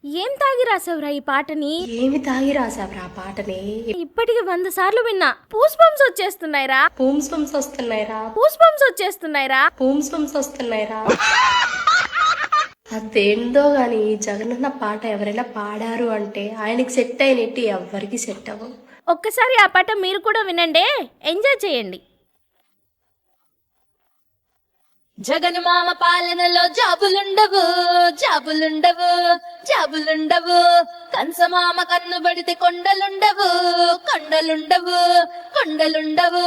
ఏం తాగి రాసావురా ఈ పాటని? ఏమి తాగి రాసావురా ఆ పాటని? ఇప్పటికి 100 సార్లు విన్నా. పూస్ బంప్స్ వచ్చేస్తున్నాయిరా. పూమ్స్ బంప్స్ వస్తున్నాయిరా. పూస్ బంప్స్ వచ్చేస్తున్నాయిరా. పూమ్స్ బంప్స్ వస్తున్నాయిరా. అదేందో గాని జగనన్న పాట ఎవరైనా పాడారు అంటే ఆయనకి సెట్ అయినట్టు ఎవరికి సెట్ అవ్వవు. ఒక్కసారి ఆ పాట మీరు కూడా వినండి, ఎంజాయ్ చేయండి. జగన్ మామ పాలనలో జాబులుండవు, జాబులుండవు, జాబులుండవు. కంసమామ కన్ను పడితే కొండలుండవు, కొండలుండవు, కొండలుండవు.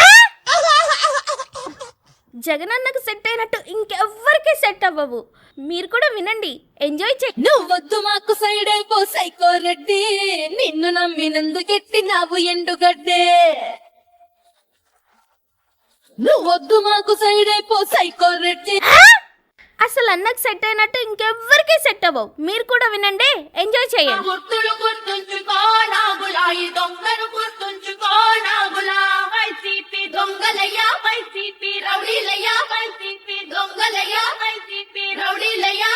జగనన్నకు సెట్ అయినట్టు ఇంకెవ్వరికి సెట్ అవ్వవు. మీరు కూడా వినండి, ఎంజాయ్ చేయండి. నువ్వొద్దు మాకు సైడ్ అయిపో సైకో రెడ్డి, నిన్ను నమ్మినందుకెట్టినావు ఎండుగడ్డే. నువ్వొద్దు మాకు సైడ్ అయిపో సైకో రెడ్డి. అసలు అన్నకు సెట్ అయినట్టు ఇంకెవ్వరికి సెట్ అవ్వవు. మీరు కూడా వినండి, ఎంజాయ్ చేయండి. గుర్తులు గుర్తుంచుకో నాగులా, ఈ దొంగను గుర్తుంచుకో నాగులా. వైసీపీ దొంగలయ్యా, వైసీపీ రౌడీలయ్యా, వైసీపీ దొంగలయ్యా, వైసీపీ రౌడీలయ్యా.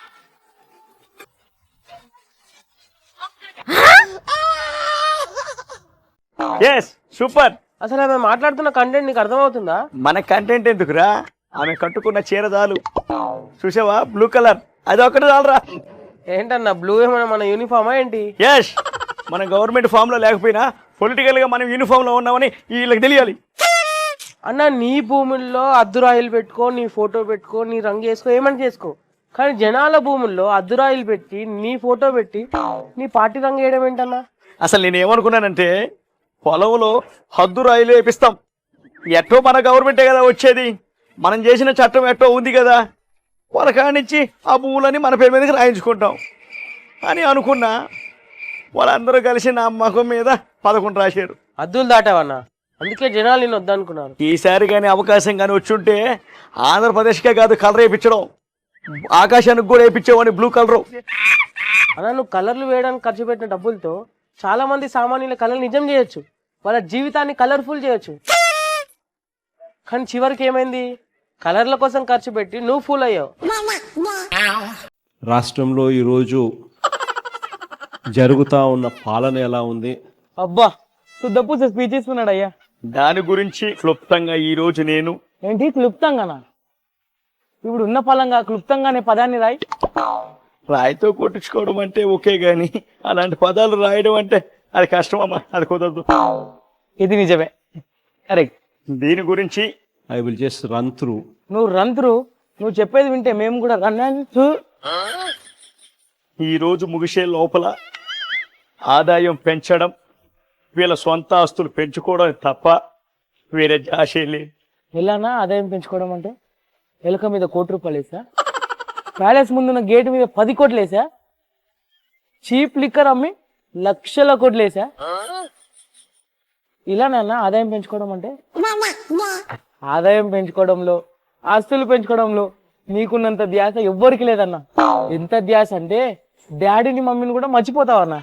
Yes super. అసలు ఆమె మాట్లాడుతున్న కంటెంట్ నీకు అర్థమవుతుందా? మన కంటెంట్ ఎందుకురా, ఆమె కట్టుకున్న చీర చాలు. చూసావా బ్లూ కలర్, అది ఒకటి చాలరా. ఏంటన్నా బ్లూ ఏమైనా మన యూనిఫామా ఏంటి? ఎస్, మన గవర్నమెంట్ ఫామ్ లో లేకపోయినా పొలిటికల్ గా మనం యూనిఫామ్ లో ఉన్నామని వీళ్ళకి తెలియాలి. అన్న నీ భూముల్లో అద్దురాయిలు పెట్టుకో, నీ ఫోటో పెట్టుకో, నీ రంగు వేసుకో, ఏమని చేసుకో. కానీ జనాల భూముల్లో అద్దురాయిలు పెట్టి నీ ఫోటో పెట్టి నీ పార్టీ రంగు వేయడం ఏంటన్నా? అసలు నేను ఏమనుకున్నానంటే పొలంలో హద్దు రాయిలు వేపిస్తాం, ఎట్టో మన గవర్నమెంటే కదా వచ్చేది, మనం చేసిన చట్టం ఎట్టో ఉంది కదా, వాళ్ళ కానిచ్చి ఆ భూములని మన పేరు మీదకి రాయించుకుంటాం అని అనుకున్నా. వాళ్ళందరూ కలిసి నా ముఖం మీద 11 రాశారు. అద్దులు దాటావన్నా, అందుకే జనాలు నేను వద్దనుకున్నాను. ఈసారి కానీ అవకాశం కానీ వచ్చుంటే ఆంధ్రప్రదేశ్కే కాదు కలర్ వేయించడం, ఆకాశానికి కూడా వేయించేవాడిని బ్లూ కలరు. అలా నువ్వు కలర్లు వేయడానికి ఖర్చు పెట్టిన డబ్బులతో చాలా మంది సామాన్యుల కళలు నిజం చేయొచ్చు, వాళ్ళ జీవితాన్ని కలర్ఫుల్ చేయొచ్చు. కానీ చివరికి ఏమైంది? కలర్ల కోసం ఖర్చు పెట్టి నువ్వు ఫూల్ అయ్యావు. రాష్ట్రంలో ఈరోజు జరుగుతూ ఉన్న పాలన ఎలా ఉంది? అబ్బా శుద్ధపూ స్పీచ్ ఇస్తున్నాడు అయ్యా. దాని గురించి క్లుప్తంగా ఈరోజు నేను. ఏంటి క్లుప్తంగానా? ఇప్పుడు ఉన్న పలంగా క్లుప్తంగా అనే పదాన్ని రాయి. రాయితో కొట్టించుకోవడం అంటే ఓకే, గాని అలాంటి పదాలు రాయడం అంటే అది కష్టం అమ్మా, అది కుదరదు. ఇది నిజమే, కరెక్ట్. దీని గురించి I will just run through. నువ్వు రన్ త్రూ, నువ్వు చెప్పేది వింటే మేము కూడా రన్ త్రూ. ఈరోజు ముగిసే లోపల ఆదాయం పెంచడం, వీళ్ళ సొంత ఆస్తులు పెంచుకోవడం తప్ప వేరే జాషే లేదు. ఎలానా ఆదాయం పెంచుకోవడం అంటే? ఎలుక మీద ₹1 వేసా, ప్యాలెస్ ముందున్న గేటు మీద 10 కోట్లు వేసా, చీప్ లిక్కర్ అమ్మి లక్షల కోట్లు వేసా. ఇలానన్నా ఆదాయం పెంచుకోవడం అంటే? ఆదాయం పెంచుకోవడంలో, ఆస్తులు పెంచుకోవడంలో నీకున్నంత ధ్యాస ఎవ్వరికి లేదన్నా. ఎంత ధ్యాస అంటే డాడీని మమ్మీని కూడా మర్చిపోతావన్నా.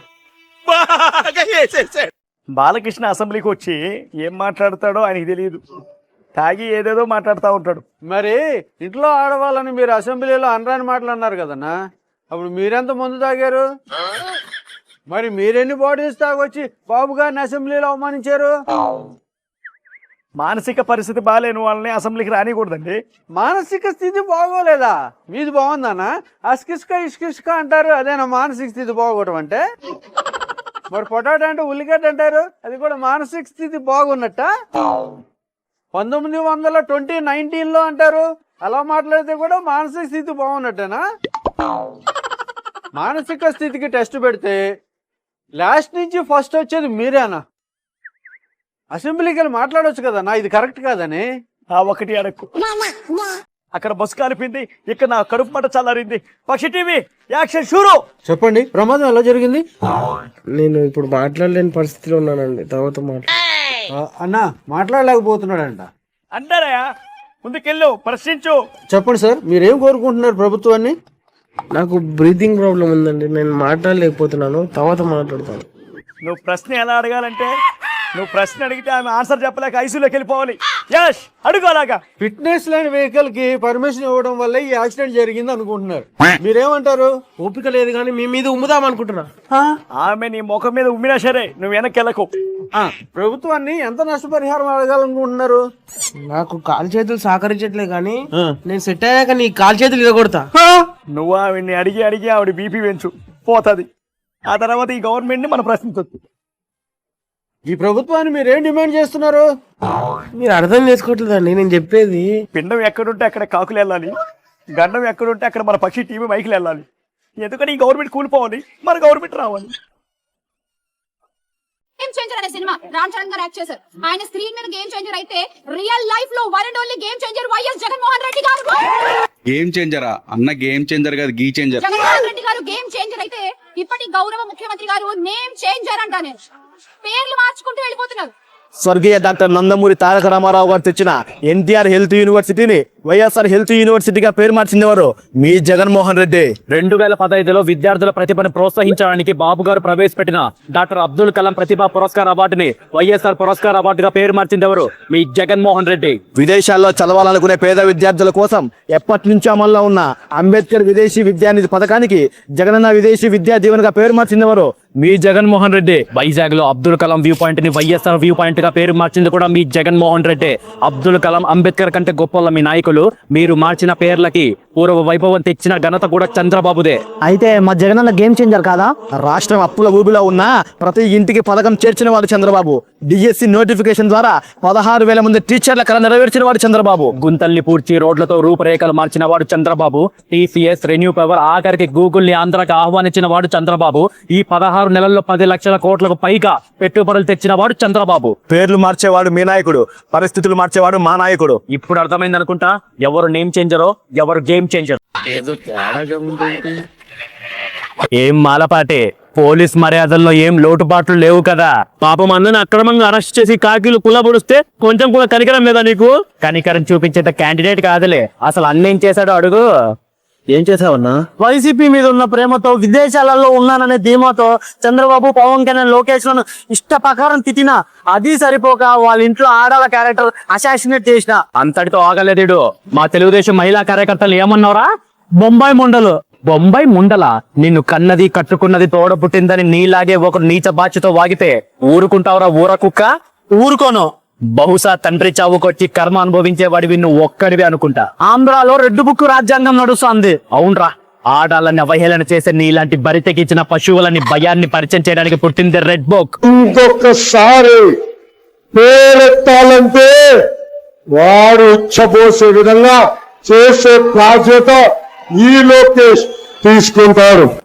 బాలకృష్ణ అసెంబ్లీకి వచ్చి ఏం మాట్లాడతాడో ఆయనకి తెలియదు, తాగి ఏదేదో మాట్లాడుతూ ఉంటాడు. మరి ఇంట్లో ఆడవాళ్ళని మీరు అసెంబ్లీలో అనరాని మాటలు అన్నారు కదన్నా, అప్పుడు మీరెంత ముందు తాగారు? మరి మీరెన్ని బాటిల్స్ తాగొచ్చి బాబు గారిని అసెంబ్లీలో అవమానించారు? మానసిక పరిస్థితి బాగాలేని వాళ్ళని అసెంబ్లీకి రానికూడదండి. మానసిక స్థితి బాగోలేదా? మీది బాగుందన్నా? అస్కిస్క ఇష్కిస్క అంటారు, అదేనా మానసిక స్థితి బాగోవడం అంటే? మరి పొటాటో అంటే ఉల్లిగడ్డ అంటారు, అది కూడా మానసిక స్థితి బాగున్నట్ట? 1919లో అంటారు, అలా మాట్లాడితే కూడా మానసిక స్థితి బాగున్నట్టేనా? మానసిక స్థితికి టెస్ట్ పెడితే లాస్ట్ నుంచి ఫస్ట్ వచ్చేది మీరేనా? అసెంబ్లీకి వెళ్ళి మాట్లాడవచ్చు కదన్నా, ఇది కరెక్ట్ కాదని. ఆ ఒకటి అడక్కు, అక్కడ బస్సు కాలిపింది, ఇక్కడ నా కడుపు మంట చల్లారింది. పక్షి టీవీ యాక్షన్ షూరు. చెప్పండి, ప్రమాదం ఎలా జరిగింది? నేను ఇప్పుడు మాట్లాడలేని పరిస్థితిలో ఉన్నానండి, తర్వాత అన్నా మాట్లాడలేకపోతున్నాడంట. అంటారా? ముందుకెళ్ళు, ప్రశ్నించు. చెప్పండి సార్, మీరేం కోరుకుంటున్నారు ప్రభుత్వాన్ని? నాకు బ్రీతింగ్ ప్రాబ్లం ఉందండి, నేను మాట్లాడలేకపోతున్నాను, తర్వాత మాట్లాడతాను. నువ్వు ప్రశ్న ఎలా అడగాలంటే, నువ్వు ప్రశ్న అడిగితే ఆమె ఆన్సర్ చెప్పలేక ఐసీయూలోకి వెళ్ళిపోవాలి. యస్ అడుగు అలాగా. ఫిట్నెస్ లేని వెహికల్ కి పర్మిషన్ ఇవ్వడం వల్ల ఈ యాక్సిడెంట్ జరిగింది అనుకుంటున్నారు. మీరేమంటారు? ఓపిక లేదు కానీ మీ మీద ఉమ్ముదాం అనుకుంటున్నా. ఆమె నీ ముఖం మీద ఉమ్మినా సరే నువ్వు వెనక్కి ప్రభుత్వాన్ని ఎంత నష్టపరిహారం అడగాలనుకుంటున్నారు? నాకు కాలు చేతులు సహకరించట్లే కానీ నేను సెట్ అయ్యాక నీ కాలు చేతులు ఇరగొడతా. నువ్వు ఆవిడ్ని అడిగి అడిగి ఆవిడ బీపీ పెంచు పోతుంది. ఆ తర్వాత ఈ గవర్నమెంట్ ని మనం ప్రశ్నించవచ్చు. ఈ ప్రభుత్వాన్ని మీరేం డిమాండ్ చేస్తున్నారు? మీరు అర్థం చేసుకోవట్లేదండి నేను చెప్పేది. పిండం ఎక్కడుంటే అక్కడ కాకులు వెళ్ళాలి, గండం ఎక్కడుంటే అక్కడ మన పక్షి టీవీ మైకులు వెళ్ళాలి. ఎందుకని ఈ గవర్నమెంట్ కూలిపోవాలి, మన గవర్నమెంట్ రావాలి. గేమ్ చేంజర్ అనే సినిమా రామ్ చరణ్ గారు యాక్ట్ చేశారు. ఆయన స్క్రీన్ మీద గేమ్ చేంజర్ అయితే రియల్ లైఫ్ లో one and only game changer YS Jaganmohan Reddy గారు. గేమ్ చేంజరా అన్న? గేమ్ చేంజర్ కాదు, గీ చేంజర్. జగన్మోహన్ రెడ్డి గారు గేమ్ చేంజర్ అయితే ఇప్పటి గౌరవ ముఖ్యమంత్రి గారు నేమ్ చేంజర్ అంటానే పేర్లు మార్చుకుంటూ వెళ్ళిపోతున్నారు. స్వర్గీయ డాక్టర్ నందమూరి తారక రామారావు గారు తెచ్చిన ఎన్టీఆర్ హెల్త్ యూనివర్సిటీని వైఎస్ఆర్ హెల్త్ యూనివర్సిటీగా పేరు మార్చిందెవరు? మీ జగన్మోహన్ రెడ్డి. 2015లో విద్యార్థుల ప్రతిభను ప్రోత్సహించడానికి బాబు గారు ప్రవేశపెట్టిన డాక్టర్ అబ్దుల్ కలాం ప్రతిభా పురస్కార్ అవార్డుని వైఎస్ఆర్ పురస్కార్ అవార్డుగా పేరు మార్చిందెవరు? మీ జగన్మోహన్ రెడ్డి. విదేశాల్లో చదవాలనుకునే పేద విద్యార్థుల కోసం ఎప్పటి నుంచో అమల్లో ఉన్న అంబేద్కర్ విదేశీ విద్యానిధి పథకానికి జగనన్న విదేశీ విద్యా దీవెనగా పేరు మార్చిందెవరు? మీ జగన్మోహన్ రెడ్డి. వైజాగ్ లో అబ్దుల్ కలాం వ్యూ పాయింట్ ని వైఎస్ఆర్ వ్యూ పాయింట్ గా పేరు మార్చింది కూడా మీ జగన్మోహన్ రెడ్డి. అబ్దుల్ కలాం, అంబేద్కర్ కంటే గొప్ప మీ నాయకులు. మీరు మార్చిన పేర్లకి పూర్వ వైభవం తెచ్చిన ఘనత కూడా చంద్రబాబుదే. అయితే మా జగనన్న గేమ్ చేంజర్ కాదా? రాష్ట్రం అప్పుల ఊబిలో ఉన్న ప్రతి ఇంటికి పథకం చేర్చిన వాడు చంద్రబాబు. డిఎస్సి నోటిఫికేషన్ ద్వారా 16,000 మంది టీచర్ల కళ నెరవేర్చిన వాడు చంద్రబాబు. గుంతల్ని పూడ్చి రోడ్లతో రూపురేఖలు మార్చిన వాడు చంద్రబాబు. టీసీఎస్, రెన్యూ పవర్, ఆఖరికి గూగుల్ ని ఆంధ్రాకి ఆహ్వానించిన వాడు చంద్రబాబు. ఈ 16 నెలల్లో 10 లక్షల కోట్లకు పైగా పెట్టుబడులు తెచ్చిన వాడు చంద్రబాబు. పేర్లు మార్చేవాడు మీ నాయకుడు, పరిస్థితులు మార్చేవాడు మా నాయకుడు. ఇప్పుడు అర్థమైంది అనుకుంటా ఎవరు నేమ్ చేంజరో ఎవరు గేమ్ చేంజర్. ఏం మాలపాటే, పోలీస్ మర్యాదల్లో ఏం లోటుపాట్లు లేవు కదా? పాపం అందరిని అక్రమంగా అరెస్ట్ చేసి కాకీలు కుల్లబొడిస్తే కొంచెం కూడా కనికరం లేదా నీకు? కనికరం చూపించేంత క్యాండిడేట్ కాదులే. అసలు అన్నేం చేశాడో అడుగు. ఏం చేసావన్నా? వైసీపీ మీద ఉన్న ప్రేమతో, విదేశాలలో ఉన్నాననే ధీమాతో చంద్రబాబు, పవన్ కళ్యాణ్, లోకేష్ లను ఇష్ట ప్రకారం తిట్టినా అది సరిపోక వాళ్ళ ఇంట్లో ఆడాల క్యారెక్టర్ అసాసినేట్ చేసిన అంతటితో ఆగలేదేడు. మా తెలుగుదేశం మహిళా కార్యకర్తలు ఏమన్నారా? బొంబాయి ముండలు. బొంబాయి ముండల? నిన్ను కన్నది కట్టుకున్నది తోడ పుట్టిందని నీలాగే ఒకరు నీచ బాధ్యతో వాగితే ఊరుకుంటావురా ఊర కుక్క? ఊరుకోను. బహుశా తండ్రి చావుకొచ్చి కర్మ అనుభవించేవాడివి నువ్వు ఒక్కడివి అనుకుంటా. ఆంధ్రాలో రెడ్ బుక్ రాజ్యాంగం నడుస్తుంది. అవునరా, ఆడాలని అవహేళన చేసే నీలాంటి బరితెకిచ్చిన పశువులని భయాన్ని పరిచయం చేయడానికి పుట్టింది రెడ్ బుక్. ఇంకొకసారి పేరెత్తాలంటే వాడు ఉచ్చబోసే విధంగా చేసే బాధ్యత ఈ లోకేష్ తీసుకుంటారు.